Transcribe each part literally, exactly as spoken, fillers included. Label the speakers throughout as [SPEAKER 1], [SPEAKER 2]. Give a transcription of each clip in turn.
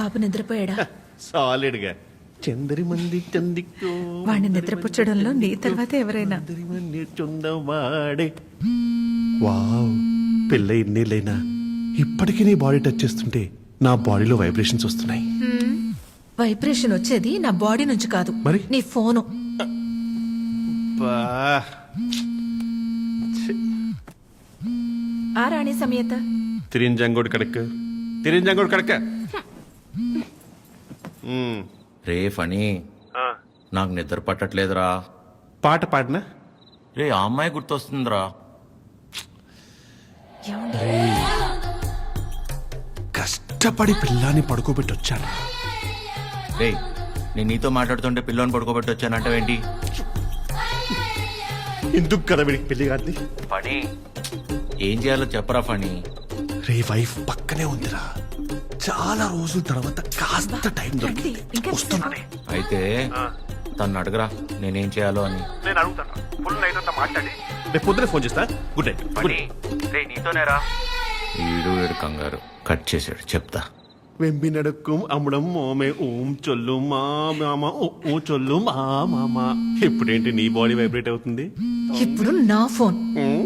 [SPEAKER 1] బాబు నిద్రపోయాడా?
[SPEAKER 2] Solid గా చందరి మంది చందికో
[SPEAKER 1] వాడిని నిద్రపుచ్చడంలో నీ తర్వాత ఎవరైనా.
[SPEAKER 2] చొందవాడే వావ్, పిల్ల ఇన్నేళ్ళైనా ఇప్పటికీ నీ బాడీ టచ్ చేస్తుంటే నా బాడీలో వైబ్రేషన్స్ వస్తున్నాయి.
[SPEAKER 1] వైబ్రేషన్ వచ్చేది నా బాడీ నుంచి కాదు,
[SPEAKER 2] మరి?
[SPEAKER 1] నీ ఫోను. ఆ రాణి సమేత
[SPEAKER 2] తిరింజంగోడు కడక తిరింజంగోడు కడక
[SPEAKER 3] రే ఫనీ, నాకు నిద్ర పట్టట్లేదురా.
[SPEAKER 2] పాట పాడినా
[SPEAKER 3] రే ఆ అమ్మాయి గుర్తొస్తుందిరా.
[SPEAKER 2] కష్టపడి పిల్లాన్ని పడుకోబెట్టి వచ్చాను.
[SPEAKER 3] రే నేను నీతో మాట్లాడుతుంటే పిల్లని పడుకోబెట్టి వచ్చానంటావేంటి?
[SPEAKER 2] ఎందుకు కదా వీడికి పెళ్లి కాదు?
[SPEAKER 3] ఫనీ ఏం చేయాలో చెప్పరా ఫనీ.
[SPEAKER 2] రే వైఫ్ పక్కనే ఉందిరా, చాలా రోజుల తర్వాత కాస్త టైం దొరికింది, వస్తున్నానే.
[SPEAKER 3] అయితే తను అడగరా నేనేం చేయాలో అని.
[SPEAKER 2] నేను అడుగుతాను, ఫుల్ నైట్ అంతా మాట్లాడి రేపు పొద్దున ఫోన్ చేస్తా. Good night.
[SPEAKER 3] రే నీతోనేరా. ఈడు ఏడు కంగారు కట్ చేసాడు, చెప్తా.
[SPEAKER 2] వెంబి నడుక్కుం అమ్మడం మోమే ఓం చొల్లు మా మామ ఓ చొల్లు మా మామ. ఇప్పుడేంటి నీ బాడీ వైబ్రేట్ అవుతుంది?
[SPEAKER 1] ఇప్పుడు నా ఫోన్.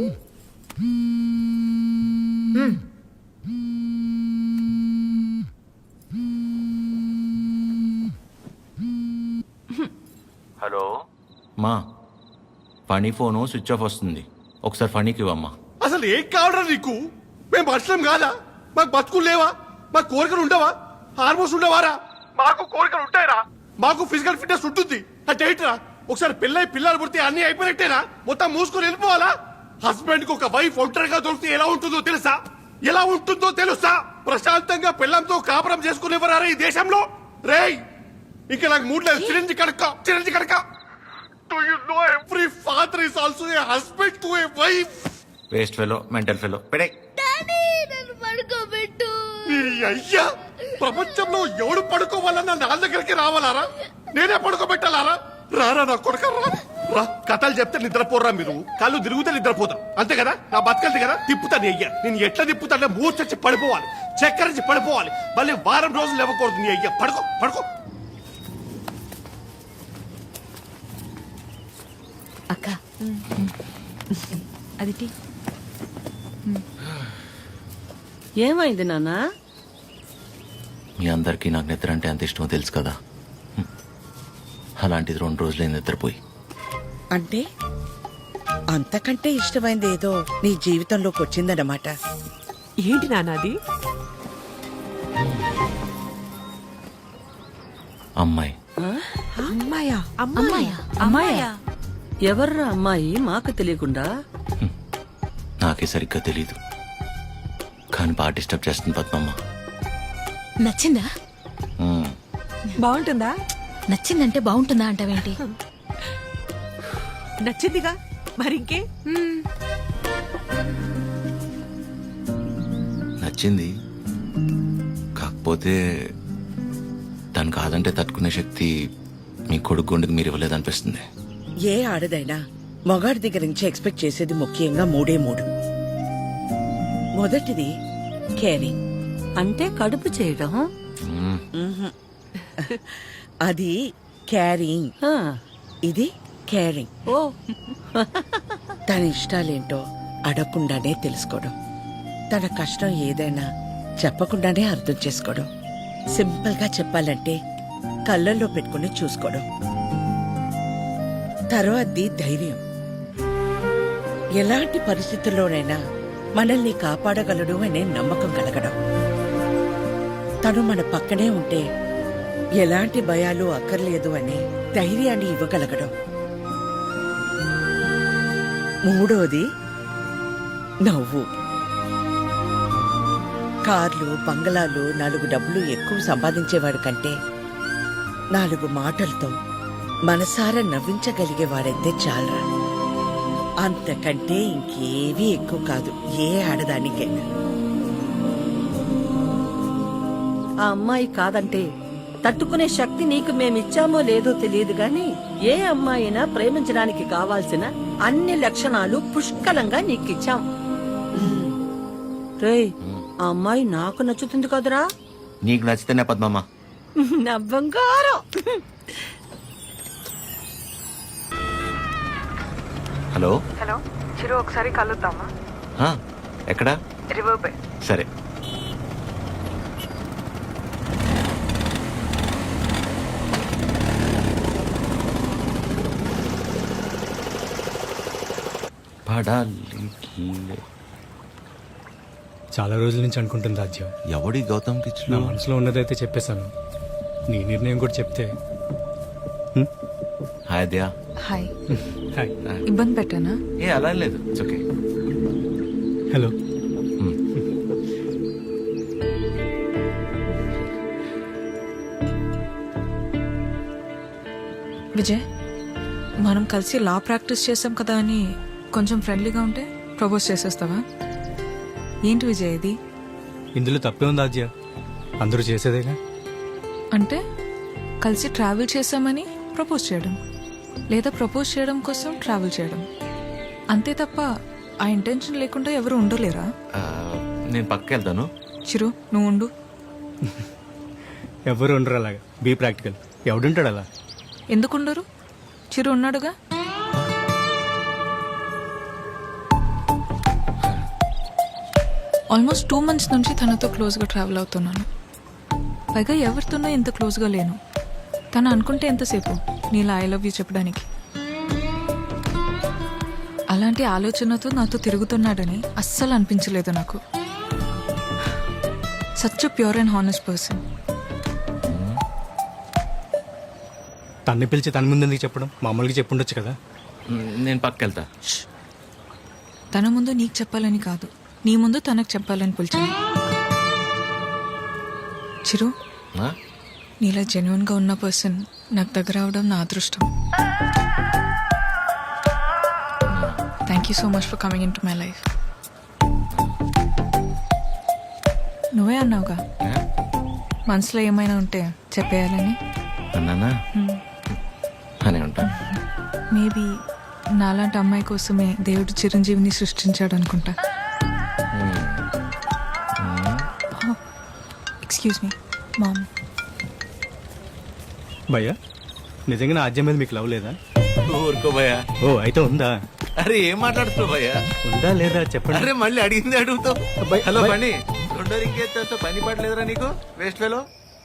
[SPEAKER 3] హలో మా, ఫనీ ఫోను స్విచ్ ఆఫ్ వస్తుంది, ఒకసారి ఫనీకి ఇవ్వమ్మా.
[SPEAKER 2] అసలు ఏం కావడం నీకు? మేము మనుషులం కాదా? మాకు బతుకులు లేవా? మాకు కోరికలు ఉండవా? హార్మోన్స్ ఉండవారా? మాకు కోరికలు ఉంటాయరా, మాకు ఫిజికల్ ఫిట్నెస్ ఉంటుంది. అంటే ఏంటరా, ఒకసారి పెళ్ళై పిల్లలు పుడితే అన్ని అయిపోయినట్టేనా? మొత్తం మూసుకొని వెళ్ళిపోవాలా? హస్బెండ్ కి ఒక వైఫ్ ఒంటరిగా దొరికితే ఎలా ఉంటుందో తెలుసా? ఎలా ఉంటుందో తెలుసా? ప్రశాంతంగా పిల్లంతో కాపురం చేసుకునేవారా ఈ దేశంలో? రేయ్ ఇంకా నాకు మూడు లేదు. చిరంజి కడక చిరంజి కడక Do you know every father is also a husband to a wife?
[SPEAKER 3] Waste fellow, mental fellow. పెడే
[SPEAKER 4] పడుకోబెట్టు.
[SPEAKER 2] అయ్యా, ప్రపంచంలో ఎవడు పడుకోవాలన్నా నా దగ్గరికి రావాలారా? నేనే పడుకోబెట్టాలారా? రారా నా కొడుక రా. రా, కథలు చెప్తే నిద్రపోర్రా మీరు. కళ్ళు తిరుగుతే నిద్రపోతాం, అంతే కదా? నా బతకలు దగ్గర తిప్పుతాను అయ్యా. నేను ఎట్లా తిప్పుతానే మూర్చొచ్చి పడిపోవాలి, చక్కరించి పడిపోవాలి, మళ్ళీ వారం రోజులు ఇవ్వకూడదు. నీ అయ్యా పడుకో పడుకో.
[SPEAKER 1] అక్క అది టీ.
[SPEAKER 5] ఏమైంది నాన్నా?
[SPEAKER 3] మీ అందరికీ నాకు నిద్ర అంటే అంత ఇష్టమో తెలుసు కదా. అలాంటిది రెండు రోజులే నిద్రపోయి.
[SPEAKER 5] అంటే అంతకంటే ఇష్టమైంది ఏదో నీ జీవితంలోకి వచ్చిందన్నమాట.
[SPEAKER 6] ఏంటి నాన్నది?
[SPEAKER 3] అమ్మాయి.
[SPEAKER 6] అమ్మాయా?
[SPEAKER 1] అమ్మాయా? అమ్మాయా?
[SPEAKER 5] ఎవర్రా అమ్మాయి మాకు తెలియకుండా?
[SPEAKER 3] నాకే సరిగ్గా తెలీదు, కానీ బాగా డిస్టర్బ్ చేస్తుంది పద్మమ్మ.
[SPEAKER 1] నచ్చిందా?
[SPEAKER 3] మ్మ్.
[SPEAKER 6] బాగుంటుందా?
[SPEAKER 1] నచ్చిందంటే బాగుంటుందా అంటావేంటి?
[SPEAKER 6] నచ్చిందిగా మరింకే.
[SPEAKER 3] నచ్చింది, కాకపోతే తను కాదంటే తట్టుకునే శక్తి మీ కొడుకు గుండెకి మీరు ఇవ్వలేదనిపిస్తుంది.
[SPEAKER 5] ఏ ఆడదైనా మొగాడి దగ్గర నుంచి ఎక్స్పెక్ట్ చేసేది ముఖ్యంగా మూడే మూడు. మొదటిది కేరింగ్, అంటే కడుపు చేయడం.
[SPEAKER 3] మ్మ్.
[SPEAKER 5] అది క్యారింగ్, ఇది కేరింగ్. ఓ తన ఇష్టాలేంటో అడగకుండానే తెలుసుకోవడం, తన కష్టం ఏదైనా చెప్పకుండానే అర్థం చేసుకోవడం, సింపుల్ గా చెప్పాలంటే కళ్ళల్లో పెట్టుకుని చూసుకోవడం. తర్వాతది ధైర్యం, ఎలాంటి పరిస్థితుల్లోనైనా మనల్ని కాపాడగలడు అనే నమ్మకం కలగడం. తను మన పక్కనే ఉంటే ఎలాంటి భయాలు అక్కర్లేదు అనే ధైర్యాన్ని ఇవ్వగలగడం. మూడోది నవ్వు. కార్లు, బంగళాలు, నాలుగు డబ్బులు ఎక్కువ సంపాదించేవాడు కంటే నాలుగు మాటలతో మనసారా నవ్వించగలిగేవాడైతే చాలరా. అంతకంటే ఇంకేవీ ఎక్కువ కాదు ఏ ఆడదానికైనా.
[SPEAKER 7] ఆ అమ్మాయి కాదంటే తట్టుకునే శక్తి నీకు మేమిచ్చామో లేదో తెలియదు గాని ఏ అమ్మాయినా ప్రేమించడానికి కావాల్సిన అన్ని లక్షణాలు పుష్కలంగా నీకిచ్చాం. రేయ్, ఆ అమ్మాయి నాకు నచ్చుతుంది కదరా?
[SPEAKER 3] నీకు నచ్చితేనే పద్మమ్మ.
[SPEAKER 7] నా బంగారం.
[SPEAKER 3] హలో
[SPEAKER 6] హలో చిరు, ఒకసారి కలుద్దామా?
[SPEAKER 3] ఆ, ఎక్కడా?
[SPEAKER 6] River bay.
[SPEAKER 3] సరే. పడాలి.
[SPEAKER 4] చాలా రోజుల నుంచి అనుకుంటుంది రాజ్యం.
[SPEAKER 3] ఎవడి గౌతమ్
[SPEAKER 4] నా
[SPEAKER 3] కిచ్లు?
[SPEAKER 4] మనసులో ఉన్నదైతే చెప్పేశాను. నీ నిర్ణయం కూడా చెప్తే.
[SPEAKER 3] హాయ్ దయా.
[SPEAKER 1] హాయ్.
[SPEAKER 4] హాయ్.
[SPEAKER 1] ఇబ్బంది పెట్టానా?
[SPEAKER 3] ఏ అలా ఏం లేదు, ఇట్స్ ఓకే.
[SPEAKER 4] హలో.
[SPEAKER 8] విజయ్, మనం కలిసి లా ప్రాక్టీస్ చేసాం కదా అని కొంచెం ఫ్రెండ్లీగా ఉంటే ప్రపోజ్ చేసేస్తావా? ఏంటి విజయ్ ఇది?
[SPEAKER 4] ఇందులో తప్పే ఉంది రాజ్య, అందరూ చేసేదేగా.
[SPEAKER 8] అంటే కలిసి ట్రావెల్ చేసామని ప్రపోజ్ చేయడం, లేదా ప్రపోజ్ చేయడం కోసం ట్రావెల్ చేయడం, అంతే తప్ప ఆ ఇంటెన్షన్ లేకుండా ఎవరు ఉండలేరా?
[SPEAKER 3] ఆ, నేను పక్కకి వెళ్తాను.
[SPEAKER 8] చిరు, నువ్వు ఉండు.
[SPEAKER 4] ఎవరు ఉండరు అలాగా. Be practical. ఎవడుంటాడు అలా?
[SPEAKER 8] ఎందుకుండరు? చిరు ఉన్నాడుగా. ఆల్మోస్ట్ టూ మంత్స్ నుంచి తనతో క్లోజ్గా ట్రావెల్ అవుతున్నాను. పైగా ఎవరితోనో ఇంత క్లోజ్గా లేను. తను అనుకుంటే ఎంతసేపు నీలా ఐ లవ్ యూ చెప్పడానికి. అలాంటి ఆలోచనతో నాతో తిరుగుతున్నాడని అస్సలు అనిపించలేదు నాకు. Such pure and honest person.
[SPEAKER 4] తన్ని పిలిచి తన ముందు చెప్పడం మామూలుగా చెప్పుండొచ్చు కదా.
[SPEAKER 3] మ్, నేను పక్కకి వెళ్తా.
[SPEAKER 8] తన ముందు నీకు చెప్పాలని కాదు, నీ ముందు తనకు చెప్పాలని పిలిచాను. చిరు,
[SPEAKER 3] ఆ?
[SPEAKER 8] నీలా జెన్యున్గా ఉన్న పర్సన్ నాకు దగ్గర అవడం నా అదృష్టం. Thank you so much for coming in to my life. నువ్వే అన్నావుగా
[SPEAKER 3] ఆ?
[SPEAKER 8] మనసులో ఏమైనా ఉంటే చెప్పేయాలని.
[SPEAKER 3] అన్నానా? అని ఉంటాను.
[SPEAKER 8] మేబీ నాలాంటి అమ్మాయి కోసమే దేవుడు చిరంజీవిని సృష్టించాడు అనుకుంటా. Excuse me ma'am.
[SPEAKER 4] భయ్యా, నిజంగా నా ఆజ్యం మీద మీకు లవ్ లేదా?
[SPEAKER 3] ఊరుకో భయ్యా.
[SPEAKER 4] ఓ అయితే ఉందా?
[SPEAKER 3] అరే ఏం మాట్లాడుతున్నావు భయ్యా?
[SPEAKER 4] ఉందా లేదా చెప్పండి.
[SPEAKER 3] అరే మళ్ళీ అడిగింది అడుగుతావు.
[SPEAKER 4] అబ్బాయి,
[SPEAKER 3] హలో
[SPEAKER 4] అబ్బాయి.
[SPEAKER 3] పని రెండో ఇంకేస్తా పని పడలేదురా నీకు వేస్ట్ ఫెలో.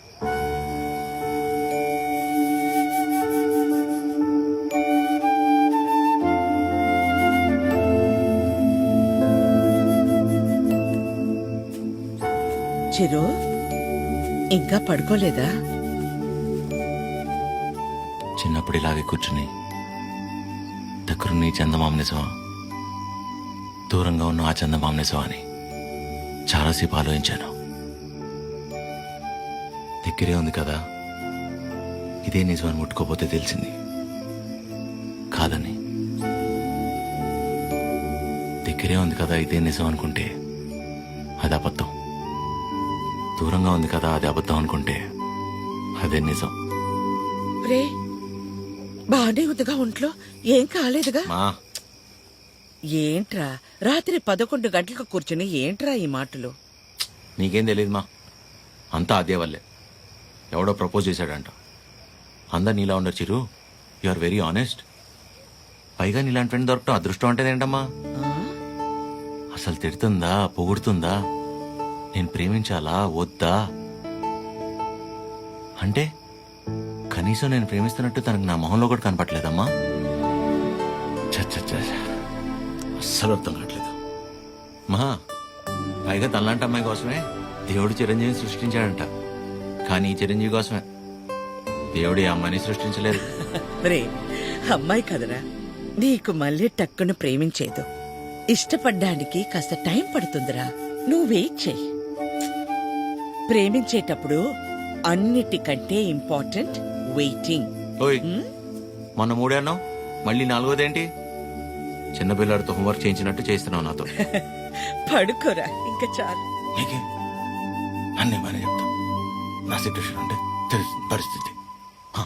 [SPEAKER 5] చిరు, ఇంకా పడుకోలేదా?
[SPEAKER 3] చిన్నప్పుడు ఇలాగే కూర్చుని దగ్గరున్న ఈ చందమామ నిజమా, దూరంగా ఉన్న ఆ చందమామ నిజమా అని చాలాసేపు ఆలోచించాను. దగ్గరే ఉంది కదా, ఇదే నిజమని ముట్టుకోపోతే తెలిసింది కాదని. దగ్గరే ఉంది కదా ఇదే నిజం అనుకుంటే అది అబద్ధం. దూరంగా ఉంది కదా అది అబద్ధం అనుకుంటే అదే నిజం.
[SPEAKER 5] రే, బానే ఉందిగా ఒంట్లో? ఏం కాలేదుగా?
[SPEAKER 3] మా
[SPEAKER 5] ఏంట్రా రాత్రి పదకొండు గంటలకు కూర్చుని ఏంట్రా ఈ మాటలు?
[SPEAKER 3] నీకేం తెలియదు మా, అంతా అదే వల్లే. ఎవడో ప్రపోజ్ చేశాడంట. అందరు నీలా ఉండరు Chiru, you are very honest. పైగా నీలాంటి ఫ్రెండ్ దొరకటం అదృష్టం అంటే ఏంటమ్మా? అసలు తిడుతుందా పొగుడుతుందా, నేను ప్రేమించాలా వద్దా అంటే కనీసం నేను ప్రేమిస్తున్నట్టు తనకు నా మొహంలో కూడా కనపట్లేదమ్మా. చచ్చ అస్సలు అర్థం కావట్లేదు మా. పైగా తనలాంటి అమ్మాయి కోసమే దేవుడు చిరంజీవిని సృష్టించాడంట. కానీ ఈ చిరంజీవి కోసమే దేవుడు ఈ అమ్మాయిని సృష్టించలేదు.
[SPEAKER 5] రే, అమ్మాయి కదరా, నీకు మళ్ళీ టక్కును ప్రేమించేదు. ఇష్టపడ్డానికి కాస్త టైం పడుతుందిరా, నువ్వు వెయిట్ చెయ్యి. ప్రేమించేటప్పుడు అన్నిటికంటే ఇంపార్టెంట్ వెయిటింగ్.
[SPEAKER 3] ఓయ్ మొన్న మూడే అన్నావు, మళ్ళీ నాలుగోదేంటి? చిన్నపిల్లాడితో హోంవర్క్ చేయించినట్టు చేస్తున్నావు నాతో.
[SPEAKER 5] పడుకోరా ఇంకా చాలు.
[SPEAKER 3] నీకే అన్నీ బాగానే చెప్తావు. నా సిచ్యువేషన్ అంటే తెలుసు పరిస్థితి. హ.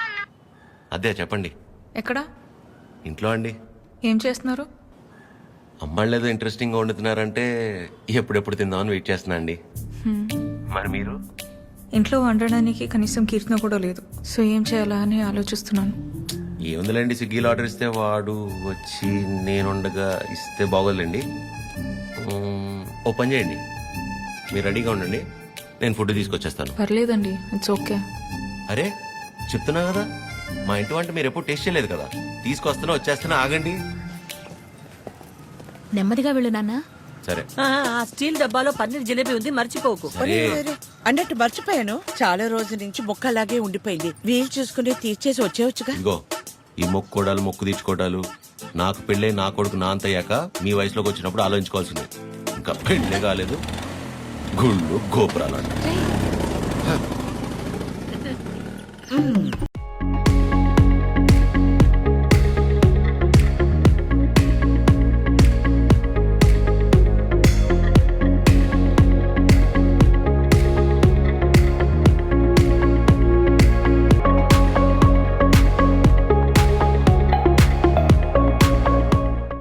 [SPEAKER 3] అదే చెప్పండి.
[SPEAKER 8] ఎక్కడా?
[SPEAKER 3] ఇంట్లో అండి.
[SPEAKER 8] ఏం చేస్తున్నారు?
[SPEAKER 3] అమ్మాళ్ళు ఏదో ఇంట్రెస్టింగ్గా వండుతున్నారంటే ఎప్పుడెప్పుడు తిందామని వెయిట్ చేస్తున్నా అండి. మరి మీరు?
[SPEAKER 8] ఇంట్లో వండడానికి కనీసం కీర్తన కూడా లేదు, సో ఏం చేయాలా అని ఆలోచిస్తున్నాను.
[SPEAKER 3] ఏముందిలేండి, స్విగ్గీలో ఆర్డర్ ఇస్తే వాడు వచ్చి నేను ఉండగా ఇస్తే బాగోదులేండి. మ్మ్, ఓ పని చేయండి, మీరు రెడీగా ఉండండి, నేను ఫుడ్ తీసుకొచ్చేస్తాను.
[SPEAKER 8] పర్లేదండి, ఇట్స్ ఓకే.
[SPEAKER 3] అరే చెప్తున్నా కదా, మా ఇంటి వంట మీరు ఎప్పుడు టేస్ట్ చేయలేదు కదా, తీసుకొస్తున్నా వచ్చేస్తున్నా, ఆగండి.
[SPEAKER 1] నెమ్మదిగా వెళ్ళు నాన్న.
[SPEAKER 3] సరే
[SPEAKER 7] ఆ, ఆ స్టీల్ డబ్బాలో పన్నీర్ జిలేబీ ఉంది మర్చిపోకు.
[SPEAKER 3] సరే
[SPEAKER 5] అన్నట్టు మర్చిపోయాను, చాలా రోజుల నుంచి మొక్క అలాగే ఉండిపోయింది. వీలు చూసుకుని తీర్చేసి వచ్చేవచ్చుగా.
[SPEAKER 3] ఇదిగో ఈ మొక్కుకోడాలు మొక్కు తీర్చుకోవడాలు నాకు పెళ్ళే నా కొడుకు నా అంత అయ్యాక మీ వయసులోకి వచ్చినప్పుడు ఆలోచించుకోవాల్సిందే. ఇంకా పెళ్ళే కాలేదు, గుళ్ళు గోపురాలు అంట.